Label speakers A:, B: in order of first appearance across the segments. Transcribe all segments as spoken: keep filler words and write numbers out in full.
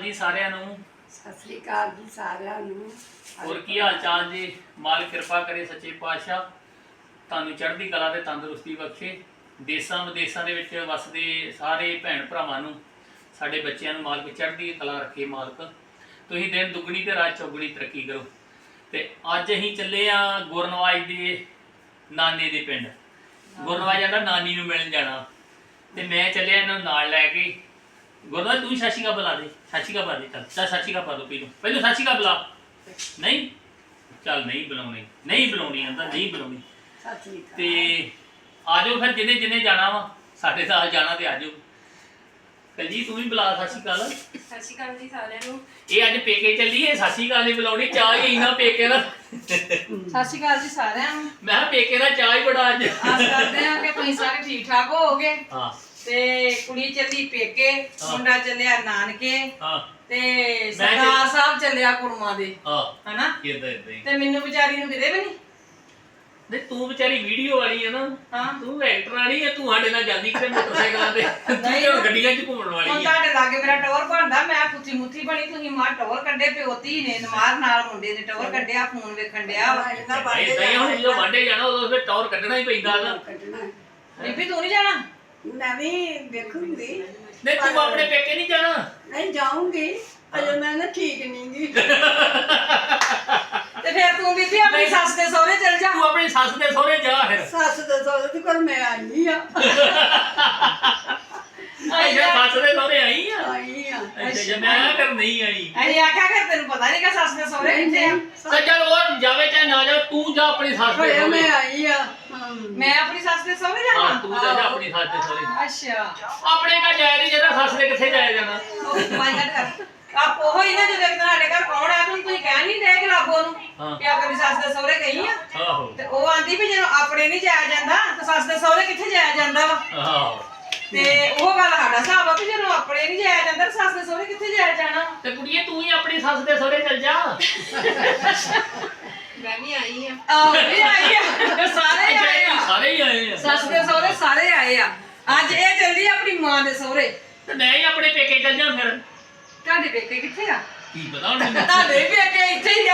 A: ਅਕਾਲ ਜੀ ਸਾਰਿਆਂ ਨੂੰ।
B: ਸਤਿ ਸ੍ਰੀ ਅਕਾਲ ਜੀ ਸਾਰਿਆਂ ਨੂੰ।
A: ਹੋਰ ਕੀ ਹਾਲ ਚਾਲ ਜੀ? ਮਾਲਕ ਕਿਰਪਾ ਕਰੇ ਸੱਚੇ ਪਾਤਸ਼ਾਹ ਤੁਹਾਨੂੰ ਚੜ੍ਹਦੀ ਕਲਾ ਤੇ ਤੰਦਰੁਸਤੀ ਬਖਸ਼ੇ। ਦੇਸਾਂ ਵਿਦੇਸਾਂ ਦੇ ਵਿੱਚ ਵਸਦੇ ਸਾਰੇ ਭੈਣ ਭਰਾਵਾਂ ਨੂੰ, ਸਾਡੇ ਬੱਚਿਆਂ ਨੂੰ ਮਾਲਕ ਚੜ੍ਹਦੀ ਕਲਾ ਰੱਖੇ। ਮਾਲਕ ਤੁਸੀਂ ਦਿਨ ਦੁੱਗਣੀ ਤੇ ਰਾਤ ਚੌਗੁਣੀ ਤਰੱਕੀ ਕਰੋ। ਤੇ ਅੱਜ ਅਸੀਂ ਚੱਲੇ ਆ ਗੁਰਨਵਾਜ ਦੇ ਨਾਨੇ ਦੇ ਪਿੰਡ। ਗੁਰਨਵਾਜ ਜਾਂਦਾ ਨਾਨੀ ਨੂੰ ਮਿਲਣ ਜਾਣਾ ਤੇ ਮੈਂ ਚੱਲਿਆ ਇਹਨਾਂ ਨੂੰ ਨਾਲ ਲੈ ਕੇ। ਗੁਰਨਵਾਜ ਤੂੰ ਸਤਿ ਸ਼੍ਰੀ ਅਕਾਲ ਬੁਲਾ ਦੇ। ਸਤਿ ਸ਼੍ਰੀ ਅਕਾਲ ਬੁਲਾ ਦੇ। ਚੱਲ ਚੱਲ ਸਤਿ ਸ਼੍ਰੀ ਅਕਾਲ ਪਾ ਦੋ ਪਹਿਲੋਂ ਪਹਿਲੋਂ ਸਤਿ ਸ਼੍ਰੀ ਅਕਾਲ ਬੁਲਾ। ਨਹੀਂ ਚੱਲ ਨਹੀਂ ਬੁਲਾਉਣੀ ਨਹੀਂ ਬੁਲਾਉਣੀ ਆਂਦਾ ਨਹੀਂ ਬੁਲਾਉਣੀ।
B: ਸਤਿ ਸ੍ਰੀ ਅਕਾਲ।
A: ਤੇ ਆ ਜਾਓ ਫਿਰ ਜਿਹਨੇ ਜਿਹਨੇ ਜਾਣਾ ਵਾ ਸਾਡੇ ਨਾਲ ਜਾਣਾ ਤੇ ਆ ਜਾਓ। ਕਲਜੀ ਤੂੰ ਵੀ ਬੁਲਾ ਸਤਿ ਸ਼੍ਰੀ ਅਕਾਲ।
C: ਸਤਿ ਸ਼੍ਰੀ ਅਕਾਲ ਜੀ ਸਾਰਿਆਂ ਨੂੰ।
A: ਇਹ ਅੱਜ ਪੇਕੇ ਚੱਲੀ ਏ ਸਤਿ ਸ਼੍ਰੀ ਅਕਾਲ ਨਹੀਂ ਬੁਲਾਉਣੀ। ਚਾਹ ਹੀ ਨਾ ਪੇਕੇ ਦਾ।
C: ਸਤਿ ਸ਼੍ਰੀ ਅਕਾਲ ਜੀ ਸਾਰਿਆਂ ਨੂੰ।
A: ਮੈਂ ਕਿਹਾ ਪੇਕੇ ਦਾ ਚਾਹ ਹੀ ਬੜਾ ਅੱਜ।
C: ਆਸ ਕਰਦੇ ਹਾਂ ਕਿ ਤੁਸੀਂ ਸਾਰੇ ਠੀਕ ਠਾਕ ਹੋਵੋਗੇ।
A: ਹਾਂ
C: ਤੇ ਕੁੜੀ ਚੱਲੀ ਪੇਕੇ, ਮੁੰਡਾ ਚੱਲਿਆ ਨਾਨਕੇ,
A: ਹਾਂ
C: ਤੇ ਸਰਦਾਰ ਸਾਹਿਬ ਚੱਲਿਆ ਕੁੜਮਾ ਦੇ।
A: ਹਾਂ
C: ਹਨਾ
A: ਇਦਾਂ ਇਦਾਂ ਹੀ।
C: ਤੇ ਮੈਨੂੰ ਵਿਚਾਰੀ ਨੂੰ ਕਿਤੇ ਵੀ ਨਹੀਂ।
A: ਨਹੀਂ ਤੂੰ ਵਿਚਾਰੀ ਵੀਡੀਓ ਵਾਲੀ ਹੈ ਨਾ।
C: ਹਾਂ
A: ਤੂੰ ਐਕਟਰ ਵਾਲੀ ਹੈ। ਤੂੰ ਸਾਡੇ ਨਾਲ ਜਾਂਦੀ ਕਿਤੇ ਮੋਟਰਸਾਈਕਲਾਂ ਤੇ। ਤੂੰ ਗੱਡੀਆਂ 'ਚ ਘੁੰਮਣ ਵਾਲੀ
C: ਹੁਣ
A: ਹੈ।
C: ਤੁਹਾਡੇ ਲਾਗੇ ਮੇਰਾ ਟੌਰ ਬਣਦਾ। ਮੈਂ ਕੁੱਤੀ ਮੁੱਥੀ ਬਣੀ, ਤੁਸੀਂ ਮਾਂ ਟੌਰ ਕੱਢੇ ਪਿਓਤੀ ਨੇ ਨਮਾਰ ਨਾਲ ਮੁੰਡੇ ਨੇ ਟੌਰ ਕੱਢਿਆ, ਫੋਨ ਵੇਖਣ ਡਿਆ ਵਾ।
A: ਇਦਾਂ ਹੀ ਹੁਣ ਜਦੋਂ ਵਾਂਡੇ ਜਾਣਾ ਉਦੋਂ ਫਿਰ ਟੌਰ ਕੱਢਣਾ ਹੀ ਪੈਂਦਾ ਨਾ।
B: ਕੱਢਣਾ
C: ਬੀਬੀ ਤੂੰ ਨਹੀਂ ਜਾਣਾ?
B: ਮੈਂ ਵੀ ਵੇਖੂੰਗੀ।
A: ਨਹੀਂ ਤੂੰ ਆਪਣੇ ਪੇਕੇ ਨਹੀਂ ਜਾਣਾ?
B: ਨਹੀਂ ਜਾਊਂਗੀ, ਅਜੇ ਮੈਂ ਨਾ ਠੀਕ ਨਹੀਂ ਗੀ।
C: ਤੇ ਫਿਰ ਤੂੰ ਬੀਬੀ ਆਪਣੀ ਸੱਸ ਦੇ ਸਹੁਰੇ ਚਲ ਜਾ।
A: ਤੂੰ ਆਪਣੀ ਸੱਸ ਦੇ ਸਹੁਰੇ ਜਾ ਫਿਰ।
B: ਸੱਸ ਦੇ ਸਹੁਰੇ ਤੇ ਕੋਲ ਮੈਂ ਆਈ ਆ।
A: ਅੱਛਾ ਸੱਸ ਦੇ ਸਹੁਰੇ ਆਈ ਆ।
B: ਆਈ ਆ।
A: ਅੱਛਾ ਜੇ ਮੈਂ ਕਰ ਨਹੀਂ ਆਈ।
C: ਅਰੇ ਆਖਿਆ ਕਰ ਤੈਨੂੰ ਪਤਾ ਨਹੀਂ ਕਿ ਸੱਸ ਦੇ ਸਹੁਰੇ ਕਿੱਥੇ ਆ।
A: ਤਾਂ ਚੱਲ ਉਹ ਜਾਵੇ ਚਾਹੇ ਨਾ ਜਾਵੇ ਤੂੰ ਜਾ ਆਪਣੀ ਸੱਸ ਦੇ
B: ਹੋਇਆ
A: ਸਹੁਰੇ।
B: ਮੈਂ ਆਈ ਆ। ਹਾਂ।
C: ਮੈਂ ਆਪਣੀ ਸੱਸ ਦੇ ਸਹੁਰੇ
A: ਹਾਂ
C: ਜਾਵਾਂ?
A: ਤੂੰ ਜਾ ਜਾ ਆਪਣੀ ਸੱਸ ਦੇ ਸਹੁਰੇ।
C: ਅੱਛਾ
A: ਆਪਣੇ ਘਰ ਜਾਇਆ ਨਹੀਂ ਜਿਹੜਾ ਸੱਸ ਦੇ ਕਿੱਥੇ ਜਾਇਆ ਜਾਣਾ।
C: ਆਪ ਉਹ ਹੀ ਨਾ ਜਦੋਂ ਇੱਕ ਸਾਡੇ ਘਰ ਕੌਣ ਆ ਤੂੰ ਤੁਸੀਂ ਕਹਿ ਨਹੀਂ ਦੇ ਗਲਾਬੋ ਨੂੰ
A: ਹਾਂ।
C: ਕਿ ਆਪਣੀ ਸੱਸ ਦੇ ਸਹੁਰੇ ਗਈ ਆ।
A: ਆਹੋ
C: ਤੇ ਉਹ ਆਂਦੀ ਵੀ ਜਦੋਂ ਆਪਣੇ ਨਹੀਂ ਜਾਇਆ ਜਾਂਦਾ ਤੇ ਸੱਸ ਦੇ ਸਹੁਰੇ ਕਿੱਥੇ ਜਾਇਆ ਜਾਂਦਾ ਵਾ।
A: ਆਹੋ
C: ਤੇ ਉਹ ਗੱਲ ਸਾਡਾ ਹਿਸਾਬ ਆ ਵੀ ਜਦੋਂ ਆਪਣੇ ਨਹੀਂ ਜਾਇਆ ਜਾਂਦਾ ਤੇ ਸੱਸ ਦੇ ਸਹੁਰੇ ਕਿੱਥੇ ਜਾਇਆ ਜਾਣਾ।
A: ਤੇ ਕੁੜੀਏ ਤੂੰ ਹੀ ਆਪਣੀ ਸੱਸ ਦੇ ਸਹੁਰੇ ਚੱਲ ਜਾ।
C: ਮੈਂ ਵੀ ਆਈ ਆ। ਆਹ ਵੀ ਆਈ ਆ। ਸਾਰੇ ਆਏ ਆ।
A: ਸਾਰੇ ਹੀ ਆਏ ਆ।
C: ਸੱਸ ਦੇ ਸਹੁਰੇ ਸਾਰੇ ਆਏ ਆ। ਅੱਜ ਇਹ ਚੱਲਦੀ ਆ ਆਪਣੀ ਮਾਂ ਦੇ ਸਹੁਰੇ।
A: ਤੇ ਮੈਂ ਹੀ ਆਪਣੇ ਪੇਕੇ ਚੱਲ ਜਾ ਫਿਰ।
C: ਤੁਹਾਡੇ ਪੇਕੇ ਕਿੱਥੇ ਆ?
A: ਕੀ ਪਤਾ ਹੁਣ ਮੈਨੂੰ।
C: ਤੁਹਾਡੇ ਪੇਕੇ ਇੱਥੇ ਹੀ ਆ।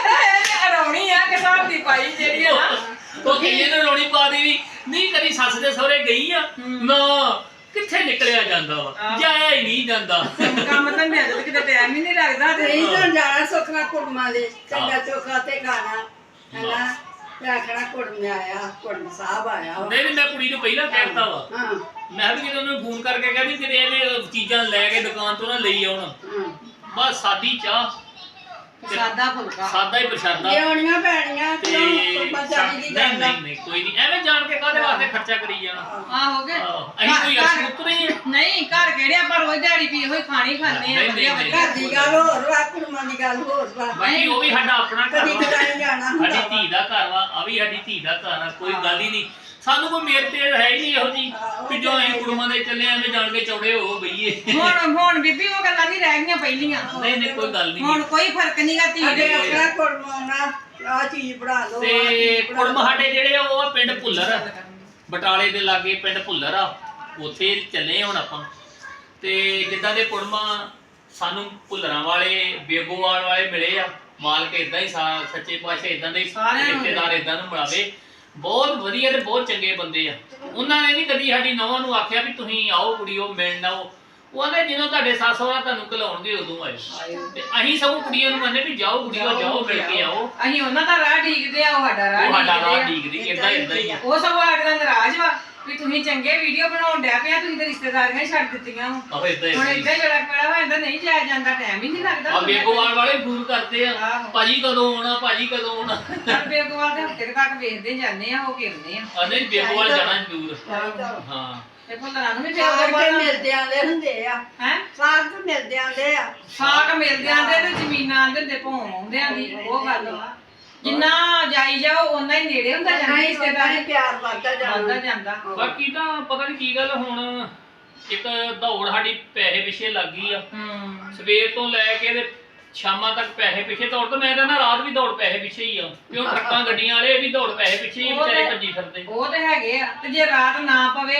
C: ਇਹ ਅਰੌਣੀ ਆ ਕਿ ਹਿਸਾਬ ਦੀ ਪਾਈ ਜਿਹੜੀ ਆ ਨਾ।
A: ਉਹ ਕਹਿੰਦੇ ਨੇ ਰੋਣੀ ਪਾ ਦੇਵੀ ਨਹੀਂ ਕਦੀ ਸੱਸ ਦੇ ਸਹੁਰੇ ਗਈ ਆ ਨਾ। ਕਿੱਥੇ ਨਿਕਲਿਆ ਜਾਂਦਾ ਵਾ, ਜਾਇਆ ਹੀ ਨਹੀਂ ਜਾਂਦਾ।
C: ਕੰਮ ਤਾਂ ਮੈਂ ਤੇ ਕਿਤੇ ਟਾਈਮ ਹੀ ਨਹੀਂ ਲੱਗਦਾ। ਤੇ
B: ਨਹੀਂ ਤਾਂ ਜਾਣਾ ਸੁਖਣਾ ਕੁੜਮਾਂ ਦੇ ਚੰਗਾ ਚੋਖਾ ਤੇ ਖਾਣਾ ਹੈਨਾ। ਤੇ ਆਖਣਾ ਕੁੜਮ ਆਇਆ, ਕੁੜਮ ਸਾਹਿਬ ਆਇਆ ਵਾ।
A: ਨਹੀਂ ਨਹੀਂ ਮੈਂ ਕੁੜੀ ਨੂੰ ਪਹਿਲਾਂ ਕਹਿਤਾ ਵਾ।
B: ਹਾਂ
A: ਮੈਂ ਵੀ ਜਦੋਂ ਉਹਨੂੰ ਫੋਨ ਕਰਕੇ ਕਹਿੰਦੀ ਕਿਤੇ ਇਹਨੇ ਚੀਜ਼ਾਂ ਲੈ ਕੇ ਦੁਕਾਨ ਤੋਂ ਨਾ ਲਈ ਆਉਣ।
B: ਹਾਂ
A: ਬਸ ਸਾਦੀ ਚਾਹ
C: ਸਾਦਾ ਫੁਲਕਾ
A: ਸਾਦਾ ਹੀ ਪ੍ਰਸ਼ਾਦਾ
B: ਲਿਆਉਣੀਆਂ ਪੈਣੀਆਂ
A: ਤੇ
B: ਕਿਉਂ ਕੁੜਮਾਂ ਚਾਹੀ ਦੀ
A: ਨਹੀਂ
B: ਗੱਲ ਆ।
A: ਨਹੀਂ ਨਹੀਂ ਕੋਈ ਨਹੀਂ ਐਵੇਂ ਜਾਣ ਕੇ ਕਾਹਦੇ ਵਾਸਤੇ ਖਰਚਾ ਕਰੀ ਜਾਣਾ।
C: ਆ ਹੋ ਗਏ।
A: ਆਹੋ, ਅਸੀਂ ਕੋਈ ਅਸਲ ਉਤਰੇ ਹੀ ਆ।
C: ਨਹੀਂ ਘਰ ਕਿਹੜੇ ਆਪਾਂ ਰੋਜ਼ ਦਿਹਾੜੀ ਪੀ ਹੋਈ ਖਾਣੀ ਖਾਣੇ ਆ
A: ਨਹੀਂ,
C: ਵਧੀਆ
A: ਨਹੀਂ,
C: ਵਧੀਆ।
B: ਘਰ ਦੀ ਗੱਲ ਹੋਰ ਵਾ, ਕੁੜਮਾਂ ਦੀ ਗੱਲ ਹੋਰ ਵਾ।
A: ਬਾਕੀ ਉਹ ਵੀ ਸਾਡਾ ਆਪਣਾ ਘਰ
B: ਕਦੀ
A: ਵਾ।
B: ਕਦਾਈ ਜਾਣਾ ਹੁੰਦਾ
A: ਸਾਡੀ ਧੀ ਦਾ ਘਰ ਵਾ, ਆ ਵੀ ਸਾਡੀ ਧੀ ਦਾ ਘਰ ਆ। ਕੋਈ ਗੱਲ ਹੀ ਨਹੀਂ ਸਾਨੂੰ ਕੋਈ ਮੇਰ ਤੇ ਹੈ ਹੀ ਨਹੀਂ ਇਹੋ ਜੀ ਕਿ ਜੋ ਅਸੀਂ ਕੁੜਮਾਂ ਦੇ ਚੱਲੇ ਐਵੇਂ ਜਾਣ ਕੇ ਚੌੜੇ ਹੋ ਬਈਏ।
C: ਹੁਣ ਹੁਣ ਬੀਬੀ ਉਹ ਗੱਲਾਂ ਨਹੀਂ ਰਹਿ ਗਈਆਂ ਪਹਿਲੀਆਂ।
A: ਨਹੀਂ ਨਹੀਂ ਕੋਈ ਗੱਲ ਨਹੀਂ।
C: ਹੁਣ ਕੋਈ ਫਰਕ ਨਹੀਂਗਾ ਧੀ
B: ਅੱਗੇ
C: ਦੇ।
B: ਆਪਣਾ ਕੁੜਮਾਂ ਆਉਣਾ, ਆਹ ਚੀਜ਼ ਬਣਾ ਲਓ, ਆਹ
A: ਤੇ
B: ਚੀਜ਼ ਬਣਾ
A: ਕੁੜਮ
B: ਲਓ।
A: ਸਾਡੇ ਜਿਹੜੇ ਆ ਉਹ ਆ ਪਿੰਡ ਭੁੱਲਰ ਆ। ਬਟਾਲੇ ਦੇ ਲਾਗੇ ਪਿੰਡ ਭੁੱਲਰ ਆ। ਉੱਥੇ ਚੱਲੇ ਹੁਣ ਆਪਾਂ। ਤੇ ਜਿੱਦਾਂ ਦੇ ਕੁੜਮਾ ਸਾਨੂੰ ਭੁੱਲਰਾਂ ਵਾਲੇ ਬੇਗੋਵਾਲ ਵਾਲੇ ਮਿਲੇ ਆ। ਮਾਲਕ ਇਦਾਂ ਹੀ ਸਾ- ਸੱਚੇ ਪਾਤਸ਼ਾਹ ਇਦਾਂ ਦੇ
C: ਸਾਰਿਆਂ ਨੂੰ
A: ਰਿਸ਼ਤੇਦਾਰ ਇਦਾਂ ਨੂੰ ਮਿਲਾਵੇ। ਬਹੁਤ ਵਧੀਆ ਤੇ ਬਹੁਤ ਚੰਗੇ ਬੰਦੇ ਆ। ਉਹਨਾਂ ਨੇ ਨਹੀਂ ਕਦੀ ਸਾਡੀ ਨੌਵਾਂ ਨੂੰ ਆਖਿਆ ਵੀ ਤੁਸੀਂ ਆਓ ਕੁੜੀਓ ਮਿਲਣ ਆਓ। ਉਹ ਕਹਿੰਦੇ ਜਦੋਂ ਤੁਹਾਡੇ ਸੱਸ ਸਹੁਰਾ ਤੁਹਾਨੂੰ ਘਲਾਉਣਗੇ ਉਦੋਂ ਆਇਓ। ਤੇ ਅਸੀਂ ਸਭ ਕੁੜੀਆਂ ਨੂੰ ਕਹਿੰਦੇ ਵੀ ਜਾਓ ਕੁੜੀਓ ਜਾਓ ਮਿਲ ਕੇ ਆਓ।
C: ਅਸੀਂ ਉਹਨਾਂ ਦਾ ਰਾਹ ਢੀਕਦੇ ਆ, ਉਹ ਸਾਡਾ ਰਾਹ
A: ਉਹ ਸਾਡਾ ਰਾਹ
C: ਢੀਕਦੇ
A: ਡੀਕਦੀ ਇਦਾਂ ਇਦਾਂ ਹੀ ਆ।
C: ਆ। ਉਹ ਸਭ ਸਾਡੇ ਦਾ ਨਾਰਾਜ਼ ਵਾ ਵੀ ਤੁਸੀਂ ਚੰਗੇ ਵੀਡੀਓ ਬਣਾਉਣ ਡਿਆ ਪਿਆ, ਤੁਸੀਂ ਤਾਂ ਰਿਸ਼ਤੇਦਾਰੀਆਂ ਹੀ ਛੱਡ ਦਿੱਤੀਆਂ ਵਾ।
A: ਆਹੋ ਇਦਾਂ
C: ਹੁਣ
A: ਹੀ
C: ਏਦਾਂ ਹੀ ਬੜਾ ਬੜਾ ਹੋ ਜਾਂਦਾ, ਨਹੀਂ ਜਾਇਆ ਜਾਂਦਾ, ਟਾਈਮ ਹੀ ਨਹੀਂ ਲੱਗਦਾ।
A: ਆ ਬੇਗੋਵਾਲ ਵਾਲੇ ਫੋਨ ਕਰਦੇ ਆ
C: ਆਹੋ।
A: ਭਾਜੀ ਕਦੋਂ ਆਉਣਾ ਭਾਜੀ ਕਦੋਂ ਆਉਣਾ।
C: ਪਰ ਬੇਗੋਵਾਲ ਦੇ ਹਫ਼ਤੇ ਕੁ ਤੱਕ ਵੇਖਦੇ ਜਾਂਦੇ ਆ, ਹੋ ਕੇ ਆਉਂਦੇ ਆ।
A: ਆ ਨਹੀਂ ਬੇਗੋਵਾਲ ਜਾਣਾ ਜ਼ਰੂਰ। ਹਾਂ
C: ਤੇ ਭੁੱਲਰਾਂ ਨੂੰ ਵੀ
B: ਸਾਗ ਤੇ
C: ਬੇਗੋਵਾਲ
B: ਮਿਲਦੇ ਆਂਦੇ ਹੁੰਦੇ ਆ।
C: ਹੈ
B: ਸਾਗ ਤੇ ਮਿਲਦੇ ਆਂਦੇ ਆ।
C: ਸਾਕ ਮਿਲਦੇ ਆਂਦੇ ਤੇ ਜ਼ਮੀਨਾਂ ਆਂਦੇ ਹੁੰਦੇ ਭੋਂ ਆਉਂਦੇ ਆਂਦੀ। ਉਹ ਗੱਲ ਵਾ ਜਿੰਨਾ ਜਾਈ ਜਾਓ ਓਨਾ ਹੀ ਨੇੜੇ ਹੁੰਦਾ ਜਾਂਦਾ
B: ਨਹੀਂ
C: ਰਿਸ਼ਤੇਦਾਰੀ।
B: ਰਿਸ਼ਤੇਦਾਰੀ ਪਿਆਰ ਵੱਧਦਾ
C: ਵੱਧਦਾ
B: ਜਾਂਦਾ।
C: ਜਾਂਦਾ।
A: ਬਾਕੀ ਤਾਂ ਪਤਾ ਨਹੀਂ ਕੀ ਗੱਲ ਹੁਣ ਇੱਕ ਦੌੜ ਸਾਡੀ ਪੈਸੇ ਪਿੱਛੇ ਲੱਗ ਗਈ ਆ।
C: ਹੂੰ
A: ਸਵੇਰ ਤੋਂ ਲੈ ਕੇ ਤੇ ਸ਼ਾਮਾਂ ਤੱਕ ਪੈਸੇ ਪਿੱਛੇ ਦੌੜ। ਤਾਂ ਮੈਂ ਕਹਿੰਦਾ ਰਾਤ ਵੀ ਦੌੜ ਪੈਸੇ ਪਿੱਛੇ ਹੀ ਆ। ਕਿਉਂ ਟਰੱਕਾਂ ਗੱਡੀਆਂ ਵਾਲੇ ਇਹ ਵੀ ਦੌੜ ਪੈਸੇ ਪਿੱਛੇ ਹੀ ਵਿਚਾਰੇ ਭੱਜੀ ਫਿਰਦੇ।
C: ਉਹ ਤੇ ਹੈਗੇ ਆ। ਤੇ ਜੇ ਰਾਤ ਨਾ ਪਵੇ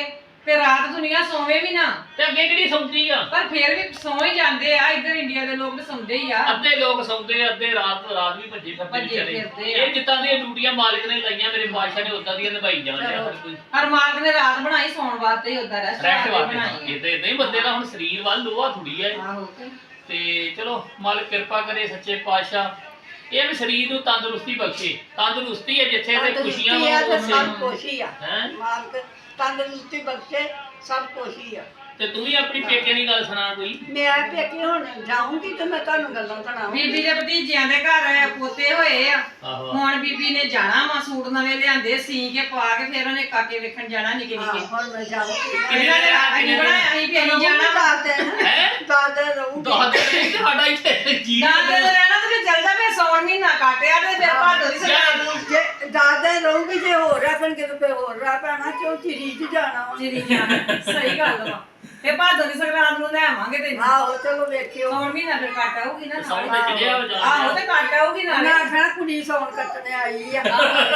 C: ਤੇ ਰਾਤ ਦੁਨੀਆ ਸੋਵੇ ਵੀ ਨਾ,
A: ਤੇ ਅੱਗੇ ਕਿਹੜੀ ਸੌਂਦੀ ਆ?
C: ਪਰ ਫੇਰ ਵੀ ਸੌਂ ਹੀ ਜਾਂਦੇ ਆ। ਇੱਧਰ ਇੰਡੀਆ ਦੇ ਲੋਕ ਤਾਂ ਸੌਂਦੇ ਹੀ ਆ।
A: ਅੱਧੇ ਲੋਕ ਸੌਂਦੇ ਆ, ਅੱਧੇ ਰਾਤ ਰਾਤ ਵੀ ਭੱਜੇ ਫਿਰਦੇ
C: ਭੱਜੇ
A: ਵਿਚਾਰੇ।
C: ਫਿਰਦੇ ਆ।
A: ਇਹ ਜਿੱਦਾਂ ਦੀਆਂ ਡਿਊਟੀਆਂ ਮਾਲਕ ਨੇ ਲਾਈਆਂ ਮੇਰੇ ਬਾਦਸ਼ਾਹ ਨੇ ਉਦਾਂ ਦੀਆਂ ਨਿਭਾਈ ਜਾਂਦੇ ਆ ਹਰ ਕੋਈ।
C: ਹਰ ਮਾਲਕ ਨੇ ਰਾਤ ਬਣਾਈ ਸੌਣ ਵਾਸਤੇ ਹੀ, ਉਦਾਂ ਰੈਸਟ
A: ਰੈਸਟ
C: ਵਾਸਤੇ
A: ਵਾਸਤੇ
C: ਬਣਾਈ
A: ਇਦਾਂ ਇਦਾਂ ਹੀ ਬੰਦੇ ਦਾ ਹੁਣ ਸਰੀਰ ਵੱਲ ਲੋਹਾ ਥੋੜੀ ਆ।
C: ਆਹੋ ਤੇ
A: ਤੇ ਚਲੋ ਮਾਲਕ ਕਿਰਪਾ ਕਰੇ ਸੱਚੇ ਪਾਤਸ਼ਾਹ, ਇਹ ਵੀ ਸਰੀਰ ਨੂੰ ਤੰਦਰੁਸਤੀ ਬਖਸ਼ੇ। ਤੰਦਰੁਸਤੀ ਹੈ ਜਿੱਥੇ ਤੇ ਖੁਸ਼ੀਆਂ
B: ਤੰਦਰੁਸਤੀ ਆ ਤੇ
A: ਵਾ
B: ਸਭ ਕੁਛ ਹੀ ਆ।
A: ਹੈ।
B: ਮਾਲਕ ਤੰਦਰੁਸਤੀ ਬਖਸ਼ੇ, ਸਭ ਕੁਛ ਹੀ ਆ।
A: ਤੇ ਤੂੰ ਵੀ ਆਪਣੀ ਪੇਕੇ ਦੀ ਗੱਲ ਸੁਣਾ ਕੋਈ।
B: ਮੈਂ ਪੇਕੇ ਹੁਣ ਜਾਊਂਗੀ ਤੇ ਮੈਂ ਤੁਹਾਨੂੰ ਗੱਲਾਂ ਸੁਣਾਵਾਂਗੀ।
C: ਬੀਬੀ ਦੇ ਭਤੀਜਿਆਂ ਦੇ ਘਰ ਪੋਤੇ ਹੋਏ ਆ।
A: ਆਹੋ
C: ਹੁਣ ਬੀਬੀ ਨੇ ਜਾਣਾ ਵਾ, ਸੂਟ ਨਵੇਂ ਲਿਆਂਦੇ ਸੀ ਕੇ ਪਾ ਕੇ, ਫਿਰ ਉਹਨੇ ਕਾਕੇ ਵੇਖਣ ਜਾਣਾ ਨਿੱਕੇ
B: ਹਾਂ,
C: ਨਿੱਕੇ।
B: ਹੁਣ ਮੈਂ ਜਾਊਂਗੀ।
C: ਇਹਨਾਂ ਨੇ ਅਸੀਂ ਬਣਾਇਆ ਅਸੀਂ ਵੀ ਅਸੀਂ ਜਾਣਾ ਵਾ।
B: ਦਾਦੇ
A: ਹੈ
B: ਦਾਦੇ ਰਹੂੰਗੀ।
A: ਦਾਦੇ ਨੇ ਸਾਡਾ ਇੱਥੇ ਜੀ
C: ਦਾਦੇ ਦੇ ਰਹਿਣਾ ਤੇ ਫਿਰ ਚੱਲ ਜਾ, ਫਿਰ ਸੌਣ ਮਹੀਨਾ ਕਾਟਿਆ ਤੇ ਫਿਰ ਭਾਦੋ ਦੀ ਸੰਗਰਾਂਦ ਨੂੰ
B: ਜੇ ਦਾਦੇ ਰਹੂੰਗੀ, ਜੇ ਹੋਰ ਰੱਖਣਗੇ ਤਾਂ ਫਿਰ ਹੋਰ ਰਹਿ ਪੈਣਾ, ਕਿਉਂ ਚਿਰੀ ਚ ਜਾਣਾ ਵਾ।
C: ਚਿਰੀ ਜਾਣਾ। ਸਹੀ ਗੱਲ ਵਾ। ਫਿਰ ਭਾਦੋ ਦੀ ਸੰਗਰਾਂਦ ਨੂੰ ਲੈ ਆਵਾਂਗੇ ਤੈਨੂੰ।
B: ਆਹੋ ਚਲੋ ਵੇਖਿਓ।
C: ਸੌਣ ਮਹੀਨਾ ਫਿਰ ਕੱਟ ਆਊਗੀ ਨਾ
A: ਸੌਣ
C: ਨਾਲ।
A: ਤੇ ਚੜਿਆ ਹੋ ਜਾਂਦਾ।
C: ਆਹੋ ਤੇ ਕੱਟ ਆਊਗੀ ਨਾਲੇ।
B: ਮੈਂ ਆਖਣਾ ਕੁੜੀ ਸੌਣ ਕੱਟਣੇ ਆਈ ਆ।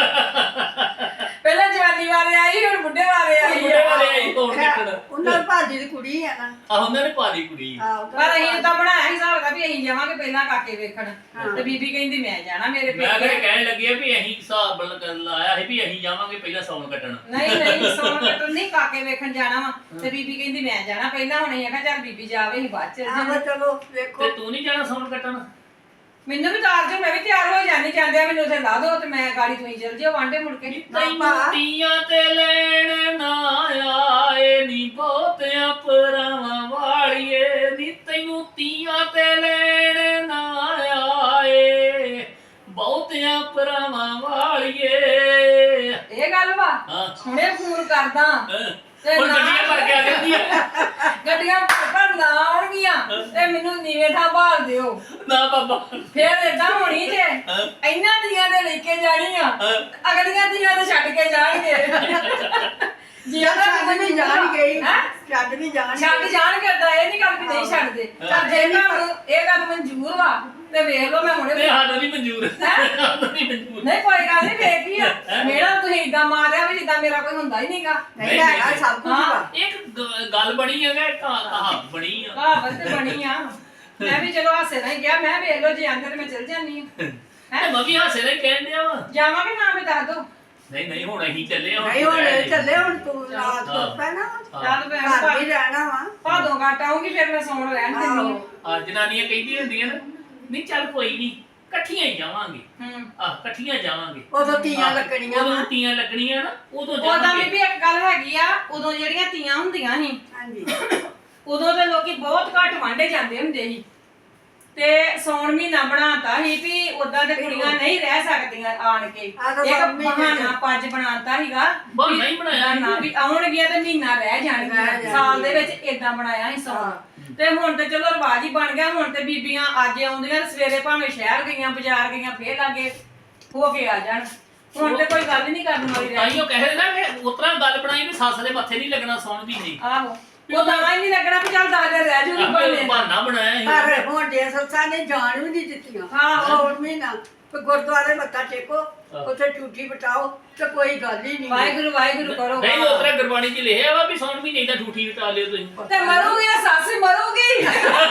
C: ਪਹਿਲਾਂ ਜਵਾਨੀ ਵਾਲੇ ਆਈ, ਹੁਣ ਬੁੱਢੇ ਵਾਲੇ ਆਈ
A: ਬੁੱਢੇ
C: ਆ।
A: ਵਾਲੇ ਆਈ ਕੌਣ ਕੱਟਣ।
B: ਉਹਨਾਂ ਦੀ ਭਾਜੀ ਦੀ ਕੁੜੀ ਆ ਨਾ।
A: ਆਹ ਉਹਨਾਂ ਨੇ ਪਾ ਲਈ ਕੁੜੀ।
B: ਆਹੋ
C: ਪਰ ਅਸੀਂ ਤਾਂ ਬਣਾਇਆ ਹਿਸਾਬ ਦਾ ਵੀ ਅਸੀਂ ਜਾਵਾਂਗੇ ਪਹਿਲਾਂ ਕਾਕੇ ਵੇਖਣ।
B: ਹਾਂ।
C: ਤੇ ਬੀਬੀ ਕਹਿੰਦੀ ਮੈਂ ਜਾਣਾ, ਮੇਰੇ
A: ਮੈਂ ਫਿਰ
C: ਪੇਕੇ।
A: ਕਹਿਣ ਲੱਗੀ ਆ ਵੀ ਅਸੀਂ ਹਿਸਾਬ ਬਣ ਲਾਇਆ ਸੀ ਵੀ ਅਸੀਂ ਜਾਵਾਂਗੇ ਪਹਿਲਾਂ ਸੌਣ ਕੱਟਣ।
C: ਨਹੀਂ ਨਹੀਂ ਸੌਣ ਕੱਟਣ ਨਹੀਂ, ਕਾਕੇ ਵੇਖਣ ਜਾਣਾ ਵਾ। ਤੇ ਬੀਬੀ ਕਹਿੰਦੀ ਮੈਂ ਜਾਣਾ ਪਹਿਲਾਂ, ਹੁਣ ਅਸੀਂ ਆਖਿਆ ਚੱਲ ਬੀਬੀ ਜਾਵੇ, ਅਸੀਂ ਬਾਅਦ ਚ ਚੱਲ
B: ਆਹੋ
C: ਜਾਵਾਂਗੇ।
B: ਚਲੋ
A: ਤੇ
B: ਵੇਖੋ।
A: ਤੂੰ ਨਹੀਂ ਜਾਣਾ ਸੌਣ ਕੱਟਣ?
C: ਮੈਨੂੰ ਵੀ ਤਾਰ ਜੋ, ਮੈਂ ਵੀ ਤਿਆਰ ਹੋ ਜਾਣੀ। ਜਾਂਦੇ ਆ ਮੈਨੂੰ ਉੱਥੇ ਲਾ ਦੋ ਤੇ ਮੈਂ ਗਾੜੀ ਤੁਸੀਂ ਚੱਲ ਜਿਓ ਵਾਂਡੇ ਮੁੜ ਕੇ।
A: ਤੈਨੂੰ ਤੀਆਂ ਤੇ ਲੈਣ ਨਾ ਆਏ ਨੀ ਬਹੁਤਿਆਂ ਪਰਾਵਾਂ ਵਾਲੀਏ, ਨੀ ਤੈਨੂੰ ਤੀਆਂ ਤੇ ਲੈਣ ਨਾ ਆਏ ਬਹੁਤਿਆਂ ਪਰਾਵਾਂ ਵਾਲੀਏ।
C: ਇਹ ਗੱਲ ਵਾ।
A: ਹਾਂ
C: ਹੁਣੇ ਫੋਨ ਕਰਦਾ
A: ਹਾਂ।
C: ਤੇ
A: ਹੁਣ
C: ਨਾ-
A: ਗੱਡੀਆਂ ਭਰ ਕੇ ਆ ਜਾਂਦੀਆਂ।
C: ਗੱਡੀਆਂ ਭਰ ਨਾ ਆਉਣਗੀਆਂ ਤੇ ਮੈਨੂੰ ਨੀਵੇਂ ਥਾਂ ਭਾਲ ਦਿਓ।
A: ਨਾ ਬਾਬਾ।
C: ਫੇਰ ਏਦਾਂ ਹੋਣੀ ਜੇ
A: ਹਾਂ।
C: ਇਹਨਾਂ ਦੀਆਂ ਦੇ ਲੈ ਕੇ ਜਾਣੀਆਂ,
A: ਹਾਂ।
C: ਅਗਲੀਆਂ ਦੀਆਂ ਤੇ ਛੱਡ ਕੇ ਜਾਣਗੇ। ਜੀ
B: ਛੱਡ ਵੀ ਜਾਣਗੇ ਹੀ।
C: ਹੈਂ?
B: ਛੱਡ ਵੀ ਜਾਣਗੇ।
C: ਛੱਡ ਜਾਣਗੇ, ਏਦਾਂ ਇਹ ਨਹੀਂ ਗੱਲ ਵੀ ਨਹੀਂ ਛੱਡਦੇ। ਚੱਲ ਜੇ ਤੁਹਾਨੂੰ ਇਹ ਗੱਲ ਮਨਜ਼ੂਰ ਵਾ ਤੇ ਵੇਖ ਲਓ, ਮੈਂ ਹੁਣੇ
A: ਤੇ ਸਾਨੂੰ ਨਹੀਂ ਮਨਜ਼ੂਰ। ਸਾਨੂੰ ਨਹੀਂ ਮਨਜ਼ੂਰ।
C: ਨਹੀਂ ਕੋਈ ਗੱਲ ਨਹੀਂ, ਵੇਖ ਹੀ ਆ ਮੇਰਾ ਤੁਸੀਂ ਏਦਾਂ ਮਾਰਿਆ ਵੀ ਜਿੱਦਾਂ ਮੇਰਾ ਕੋਈ ਹੁੰਦਾ ਹੀ ਨਹੀਂਗਾ।
B: ਨਹੀਂ ਹੈਗਾ ਸਭ ਕੁਝ ਵਾ।
A: ਇੱਕ ਗ- ਗੱਲ ਬਣੀ ਹੈ ਕਿ ਕਹਾਵਤ ਬਣੀ ਆ।
C: ਕਹਾਵਤ ਤੇ ਬਣੀ ਆ। ਮੈਂ ਵੀ ਚਲੋ ਹਾਸੇ ਨਾਲ ਹੀ ਕਿਹਾ, ਮੈਂ ਵੇਖ ਲਓ ਜੇ ਆਂਦੇ ਤੇ ਮੈਂ ਚਲ ਜਾਂਦੀ ਆ।
A: ਤੇ ਮੈਂ ਵੀ ਹਾਸੇ ਨਾਲ ਹੀ ਕਹਿਣ ਡਿਆ ਵਾ।
C: ਜਾਵਾਂਗੇ ਨਾ ਵੀ ਦੱਸ ਦੋ।
A: ਨਹੀਂ ਨਹੀਂ ਹੁਣ ਅਸੀਂ ਚੱਲੇ ਆ।
B: ਨਹੀਂ ਹੁਣ ਚੱਲੇ, ਹੁਣ ਤੂੰ ਰਾਤ
A: ਹਾਂ।
B: ਤੋਂ ਪੈਣਾ
C: ਚੱਲ ਮੈਂ
B: ਘਰ ਵੀ ਰਹਿਣਾ ਵਾ।
C: ਭਾਦੋਂ ਘੱਟ ਆਉਂਗੀ, ਫਿਰ ਮੈਂ ਸੌਣ ਰਹਿਣ ਦਿੰਦੀ
B: ਆਹੋ।
A: ਆ ਜਨਾਨੀਆਂ ਕਹਿੰਦੀਆਂ ਹੁੰਦੀਆਂ ਨਾ, ਨਹੀਂ ਚੱਲ ਕੋਈ ਨਹੀਂ ਇਕੱਠੀਆਂ ਹੀ ਜਾਵਾਂਗੇ।
C: ਹੂੰ।
A: ਆ ਇਕੱਠੀਆਂ ਜਾਵਾਂਗੇ।
B: ਉਦੋਂ ਤੀਆਂ ਲੱਗਣੀਆਂ
A: ਉਦੋਂ
B: ਵਾ।
A: ਤੀਆਂ ਲੱਗਣੀਆਂ ਨਾ, ਉਦੋਂ
C: ਉਦੋਂ
A: ਜਾਵਾਂਗੇ।
C: ਵੀ ਇੱਕ ਗੱਲ ਹੈਗੀ ਆ, ਉਦੋਂ ਜਿਹੜੀਆਂ ਤੀਆਂ ਹੁੰਦੀਆਂ ਸੀ
B: ਹਾਂਜੀ।
C: ਉਦੋਂ ਤੇ ਲੋਕੀ ਬਹੁਤ ਘੱਟ ਵਾਂਡੇ ਜਾਂਦੇ ਹੁੰਦੇ ਸੀ। ਤੇ ਸੌਣ ਮਹੀਨਾ ਬਣਾਤਾ ਸੀ ਵੀ ਉਦਾਂ ਤੇ ਕੁੜੀਆਂ ਨਹੀਂ ਰਹਿ ਸਕਦੀਆਂ ਆਣ ਕੇ।
B: ਆਹ ਤਾਂ
C: ਇੱਕ
B: ਸਭ ਮਹੀਨੇ
C: ਬਹਾਨਾ ਪੱਜ ਬਣਾਤਾ ਸੀਗਾ
A: ਬਹਾਨਾ ਹੀ ਬਣਾਇਆ ਸੀ।
C: ਨਾ ਵੀ ਆਉਣਗੀਆਂ ਤੇ ਮਹੀਨਾ ਰਹਿ
B: ਰਹਿ
C: ਜਾਣਗੀਆਂ।
B: ਜਾਣਗੀਆਂ।
C: ਸਾਲ ਦੇ ਵਿੱਚ ਇਦਾਂ ਬਣਾਇਆ ਸੀ ਸੌਣ। ਤੇ ਹੁਣ ਤੇ ਚਲੋ ਰਿਵਾਜ ਹੀ ਬਣ ਗਿਆ। ਹੁਣ ਤੇ ਬੀਬੀਆਂ ਅੱਜ ਆਉਂਦੀਆਂ ਤੇ ਸਵੇਰੇ ਭਾਵੇਂ ਸ਼ਹਿਰ ਗਈਆਂ, ਬਾਜ਼ਾਰ ਗਈਆਂ, ਫੇਰ ਲਾਗੇ ਹੋ ਕੇ ਆ ਜਾਣ। ਹੁਣ ਤੇ ਕੋਈ ਗੱਲ ਹੀ ਨਹੀਂ ਕਰਨ ਵਾਲੀ ਰਹਿ
A: ਤਾਈਓ ਕਹਿੰਦੇ ਨਾ ਕਿ ਉਤਰਾ ਗੱਲ ਬਣਾਈ ਵੀ ਸੱਸ ਦੇ ਮੱਥੇ ਨਹੀਂ ਲੱਗਣਾ ਸੌਣ ਵੀ ਨਹੀਂ।
C: ਆਹੋ ਉਹ ਦਾਣਾ ਹੀ ਨਹੀਂ ਲੱਗਣਾ ਵੀ ਚੱਲ ਦਾਦੇ ਰਹਿ ਜੂਗੀ ਬੰਦੇ ਨਾਲ।
A: ਬਹਾਨਾ ਬਣਾਇਆ ਸੀ।
B: ਪਰ ਹੁਣ ਦੇ ਸੱਸਾਂ ਨੇ ਜਾਣ ਵੀ ਨਹੀਂ ਦਿੱਤੀਆਂ।
C: ਹਾਂ।
B: ਹੋਰ ਮਹੀਨਾ ਤੇ ਗੁਰਦੁਆਰੇ ਮੱਥਾ ਟੇਕੋ, ਉੱਥੇ ਝੂਠੀ ਬਟਾਓ ਤੇ ਕੋਈ ਗੱਲ ਹੀ ਨਹੀਂ।
C: ਵਾਹਿਗੁਰੂ ਵਾਹਿਗੁਰੂ ਕਰੋ।
A: ਨਹੀਂ ਉਤਰਾ ਗੁਰਬਾਣੀ 'ਚ ਲਿਖਿਆ ਵਾ ਵੀ ਸੌਣ ਵੀ ਨਹੀਂ ਤਾਂ ਠੂਠੀ ਉਟਾ ਲਿਓ ਤੁਸੀਂ।
C: ਤੇ ਮਰੂਗੀ ਨਾ ਸੱਸ ਮਰੂਗੀ।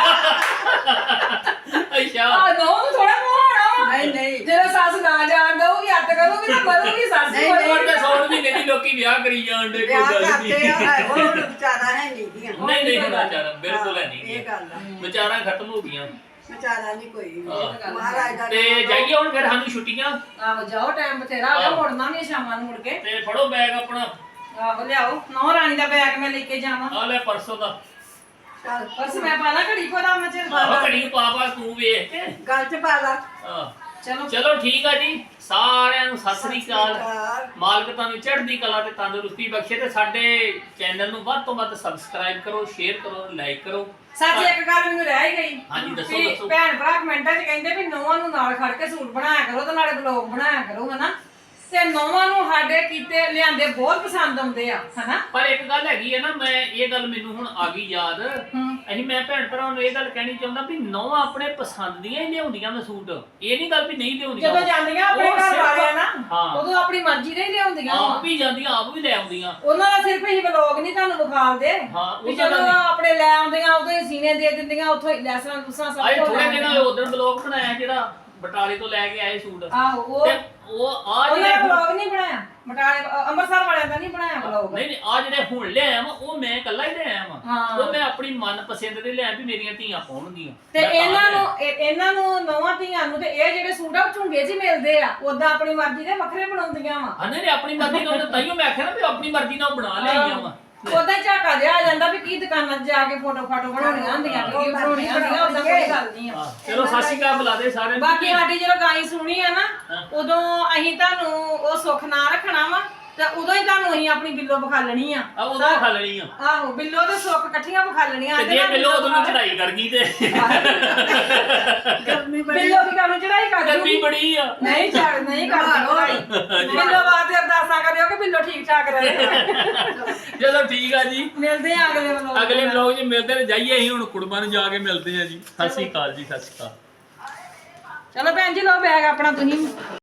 A: ਅੱਛਾ
C: ਆ ਨੋ ਨੂੰ ਥੋੜਾ ਮੂੰਹ ਹੋਣਾ ਵਾ।
B: ਨਹੀਂ ਨਹੀਂ
C: ਜਦੋਂ ਸੱਸ ਨਾ ਜਾਣ ਦਊਗੀ, ਅੱਤ ਕਰੂਗੀ ਤਾਂ ਮਰੂਗੀ ਸੱਸ ਹੀ
B: ਨਹੀਂ,
C: ਮਰੂਗੀ।
A: ਹੁਣ ਤਾਂ ਸੌਣ ਮਹੀਨੇ ਦੀ ਲੋਕੀ ਵਿਆਹ ਕਰੀ ਜਾਣ ਦੇ।
B: ਵਿਆਹ ਕਰਦੇ ਆ ਹੈ, ਉਹ ਹੁਣ ਵਿਚਾਰਾ ਹੈ ਨਹੀਂ ਦੀਆਂ।
A: ਨਹੀਂ ਨਹੀਂ ਹੁਣ ਵਿਚਾਰਾ ਬਿਲਕੁਲ ਹੈ ਨਹੀਂ
B: ਇਹ ਗੱਲ ਆ।
A: ਵਿਚਾਰਾ ਖਤਮ ਹੋ ਗਈਆਂ।
B: ਵਿਚਾਰਾ ਨਹੀਂ ਕੋਈ
A: ਹਾਂ।
B: ਮਹਾਰਾਜ ਦਾ
A: ਤੇ
B: ਨਾਮ
A: ਜਾਈਏ ਹੁਣ ਫਿਰ ਸਾਨੂੰ ਛੁੱਟੀਆਂ।
C: ਆਹੋ ਜਾਓ, ਟਾਈਮ ਬਥੇਰਾ ਆ ਗਿਆ,
A: ਆਹੋ।
C: ਮੁੜਨਾ ਨਹੀਂ ਸ਼ਾਮਾਂ ਨੂੰ ਮੁੜ ਕੇ।
A: ਤੇ ਫੜੋ ਬੈਗ ਆਪਣਾ।
C: ਆਹੋ ਲਿਆਓ, ਨੌ ਰਾਣੀ ਦਾ ਬੈਗ ਮੈਂ ਲੈ ਕੇ ਜਾਵਾਂ।
A: ਆ ਲੈ ਪਰਸੋਂ ਦਾ।
B: ਚੱਲ,
C: ਬਸ ਮੈਂ ਪਾ ਲਾਂ ਘੜੀ ਕੋ ਦਾ ਮੈਂ ਚਿਰ
A: ਆਹ ਘੜੀ ਨੂੰ ਪਾ ਪਾ ਤੂੰ ਵੇਖ ਕੇ।
B: ਗੱਲ ਚ ਪਾ ਲਾ।
A: ਆਹ,
C: ਚਲੋ
A: ਚਲੋ ਠੀਕ ਆ ਜੀ, ਸਾਰਿਆਂ ਨੂੰ ਸਤਿ ਸ੍ਰੀ ਅਕਾਲ।
B: ਅਕਾਲ।
A: ਮਾਲਕ ਤੁਹਾਨੂੰ ਚੜ੍ਹਦੀ ਕਲਾ ਤੇ ਤੰਦਰੁਸਤੀ ਬਖਸ਼ੇ ਤੇ ਸਾਡੇ ਚੈਨਲ ਨੂੰ ਵੱਧ ਤੋਂ ਵੱਧ ਸਬਸਕ੍ਰਾਈਬ ਕਰੋ, ਸ਼ੇਅਰ ਕਰੋ, ਲਾਈਕ ਕਰੋ।
C: ਸੱਚ ਇੱਕ ਗੱਲ ਮੈਨੂੰ ਰਹਿ ਹੀ ਗਈ।
A: ਹਾਂਜੀ, ਦੱਸੋ,
C: ਵੀ
A: ਦੱਸੋ।
C: ਭੈਣ ਭਰਾ ਕਮੈਂਟਾਂ 'ਚ ਕਹਿੰਦੇ ਵੀ ਨੌਵਾਂ ਨੂੰ ਨਾਲ ਖੜ ਕੇ ਸੂਟ ਬਣਾਇਆ ਕਰੋ ਤੇ ਨਾਲੇ ਬਲੌਗ ਬਣਾਇਆ ਕਰੋ, ਹਨਾ। ਤੇ ਨੌਵਾਂ ਨੂੰ ਸਾਡੇ ਕੀਤੇ ਲਿਆਂਦੇ ਬਹੁਤ ਪਸੰਦ ਆਉਂਦੇ ਆ ਹਨਾ।
A: ਪਰ ਇੱਕ ਗੱਲ ਹੈਗੀ ਹੈ ਨਾ, ਮੈਂ ਇਹ ਗੱਲ ਮੈਨੂੰ ਹੁਣ ਆ ਗਈ ਯਾਦ, ਅਸੀਂ ਮੈਂ ਭੈਣ ਭਰਾਵਾਂ ਨੂੰ ਇਹ ਗੱਲ ਕਹਿਣੀ ਚਾਹੁੰਦਾ ਵੀ ਨੌਵਾਂ ਆਪਣੇ ਪਸੰਦ ਦੀਆਂ ਹੀ ਲਿਆਉਂਦੀਆਂ ਮੈਂ ਸੂਟ, ਇਹ ਨਹੀਂ ਗੱਲ ਵੀ ਨਹੀਂ ਲਿਆਉਂਦੀਆਂ।
C: ਜਦੋਂ ਜਾਂਦੀਆਂ ਆਪਣੇ
A: ਉਹ
C: ਘਰ
A: ਸਿਰਫ-
C: ਵਾਲਿਆਂ ਨਾ
A: ਹਾਂ।
C: ਉਦੋਂ ਆਪਣੀ ਮਰਜ਼ੀ ਦੇ ਹੀ ਲਿਆਉਂਦੀਆਂ ਵਾ।
A: ਆਪ ਵੀ ਜਾਂਦੀਆਂ ਆਪ ਵੀ ਲੈ ਆਉਂਦੀਆਂ।
C: ਉਹਨਾਂ ਦਾ ਸਿਰਫ ਹੀ ਵਲੋਗ ਨਹੀਂ ਤੁਹਾਨੂੰ ਵਿਖਾਉਂਦੇ
A: ਹਾਂ, ਉਹ
C: ਵੀ
A: ਤਾਂ
C: ਜਦੋਂ
A: ਗੱਲ ਨਹੀਂ।
C: ਆਪਣੇ ਲੈ ਆਉਂਦੀਆਂ ਉਦੋਂ ਹੀ ਸੀਨੇ ਦੇ ਦਿੰਦੀਆਂ, ਉੱਥੋਂ ਹੀ ਲੈਸਾਂ ਲੂਸਾਂ ਸਭ
A: ਆਏ
C: ਕੁਝ
A: ਥੋੜੇ
C: ਲੈ
A: ਦਿਨ
C: ਆਉਂਦੀਆਂ।
A: ਉਧਰ ਬਲੌਗ ਬਣਾਇਆ ਜਿਹੜਾ ਬਟਾਲੇ ਤੋਂ ਲੈ ਕੇ ਆਏ ਸੂਟ,
C: ਆਹੋ ਉਹ
A: ਤੇ ਉਹ ਆ
C: ਉਹਨਾਂ
A: ਜਿਹੜੇ
C: ਦਾ ਵਲੋਗ ਨਹੀਂ ਬਣਾਇਆ, ਬਟਾਲੇ ਅ- ਅੰਮ੍ਰਿਤਸਰ ਵਾਲਿਆਂ ਦਾ ਨਹੀਂ ਬਣਾਇਆ ਵਲੋਗ।
A: ਨਹੀਂ ਨਹੀਂ ਆ ਜਿਹੜੇ ਹੁਣ ਲਿਆਇਆ ਵਾ ਉਹ ਮੈਂ ਇਕੱਲਾ ਹੀ ਲਿਆਇਆ ਵਾ।
C: ਹਾਂ।
A: ਉਹ ਮੈਂ ਆਪਣੀ ਮਨਪਸੰਦ ਦੇ ਲਿਆ ਵੀ ਮੇਰੀਆਂ ਧੀਆਂ ਪਾਉਣਗੀਆਂ
C: ਤੇ
A: ਮੈਂ ਤਾਂ
C: ਇਹਨਾਂ
A: ਲਿਆਇਆ।
C: ਨੂੰ ਇਹ- ਇਹਨਾਂ ਨੂੰ ਨੌਵਾਂ ਧੀਆਂ ਨੂੰ ਤੇ ਇਹ ਜਿਹੜੇ ਸੂਟ ਆ ਉਹ ਝੁੰਗੇ 'ਚ ਹੀ ਮਿਲਦੇ ਆ, ਉਦਾਂ ਆਪਣੀ ਮਰਜ਼ੀ ਦੇ ਵੱਖਰੇ ਬਣਾਉਂਦੀਆਂ ਵਾ।
A: ਹਾਂ ਨਹੀਂ ਆਪਣੀ ਮਰਜ਼ੀ ਨਾਲ, ਤਾਈਓ ਮੈਂ ਆਖਿਆ ਨਾ ਵੀ ਆਪਣੀ ਮਰਜ਼ੀ ਨਾਲ ਬਣਾ ਲਿਆਈਆਂ ਵਾ।
C: ਉਦਾਂ ਹੀ ਝਾਕਾ ਜਿਹਾ ਆ ਜਾਂਦਾ ਵੀ ਕੀ ਦੁਕਾਨਾਂ 'ਚ ਜਾ ਕੇ ਫੋਟੋ ਫਾਟੋ ਬਣਾਉਣੀਆਂ ਹੁੰਦੀਆਂ, ਵੀਡੀਓ ਬਣਾਉਣੀਆਂ ਹੁੰਦੀਆਂ, ਉਦਾਂ ਕੋਈ ਗੱਲ ਨਹੀਂ ਆ।
A: ਚਲੋ ਸਤਿ ਸ਼੍ਰੀ ਅਕਾਲ ਬੁਲਾ ਦੇ ਸਾਰਿਆਂ ਨੂੰ।
C: ਬਾਕੀ ਸਾਡੀ ਜਦੋਂ ਗਾਈ ਸੁਣੀ ਆ ਨਾ, ਉਦੋਂ ਅਸੀਂ ਤੁਹਾਨੂੰ ਉਹ ਸੁੱਖ ਨਾ ਰੱਖਣਾ ਵਾ ਤੇ ਉਦੋਂ ਹੀ ਤੁਹਾਨੂੰ ਅਸੀਂ ਆਪਣੀ ਬਿੱਲੋ ਵਿਖਾਲਣੀ ਆ।
A: ਆ ਉਦੋਂ ਖਾ ਲੈਣੀ ਆ
C: ਆਹੋ ਬਿੱਲੋ ਤੇ ਸੁੱਖ ਇਕੱਠੀਆਂ ਵਿਖਾਲਣੀਆਂ।
A: ਤੇ
C: ਇਹਦੇ
A: ਜੇ
C: ਨਾਲ
A: ਬਿੱਲੋ ਉਦੋਂ ਨੂੰ
C: ਵਿਖਾ-
A: ਚੜਾਈ ਕਰ ਗਈ ਤੇ
B: ਗਰਮੀ ਬੜੀ
C: ਬਿੱਲੋ ਵੀ ਕਾਨੂੰ ਚੜਾਈ ਕਰ
A: ਗਰਮੀ
C: ਦੂਗੀ।
A: ਬੜੀ ਆ।
C: ਨਹੀਂ ਚੜ ਨਹੀਂ ਕਰਦੀ ਚੜਾਈ। ਬਿੱਲੋ ਵਾਸਤੇ ਅਰਦਾਸਾਂ ਕਰਿਓ ਕਿ ਬਿੱਲੋ ਠੀਕ ਠਾਕ ਰਹੇ।
A: ਚਲੋ ਠੀਕ ਆ ਜੀ,
C: ਮਿਲਦੇ ਆ ਅਗਲੇ ਵਲੋਗ।
A: ਅਗਲੇ ਵਲੌਗ 'ਚ ਮਿਲਦੇ ਨੇ। ਜਾਈਏ ਅਸੀਂ ਹੁਣ ਕੁੜਮਾਂ ਨੂੰ ਜਾ ਕੇ ਮਿਲਦੇ ਆ ਜੀ। ਸਤਿ ਸ਼੍ਰੀ ਅਕਾਲ ਜੀ, ਸਤਿ ਸ਼੍ਰੀ ਅਕਾਲ।
C: ਚਲੋ ਭੈਣ ਜੀ ਲਓ ਬੈਗ ਆਪਣਾ ਤੁਸੀਂ।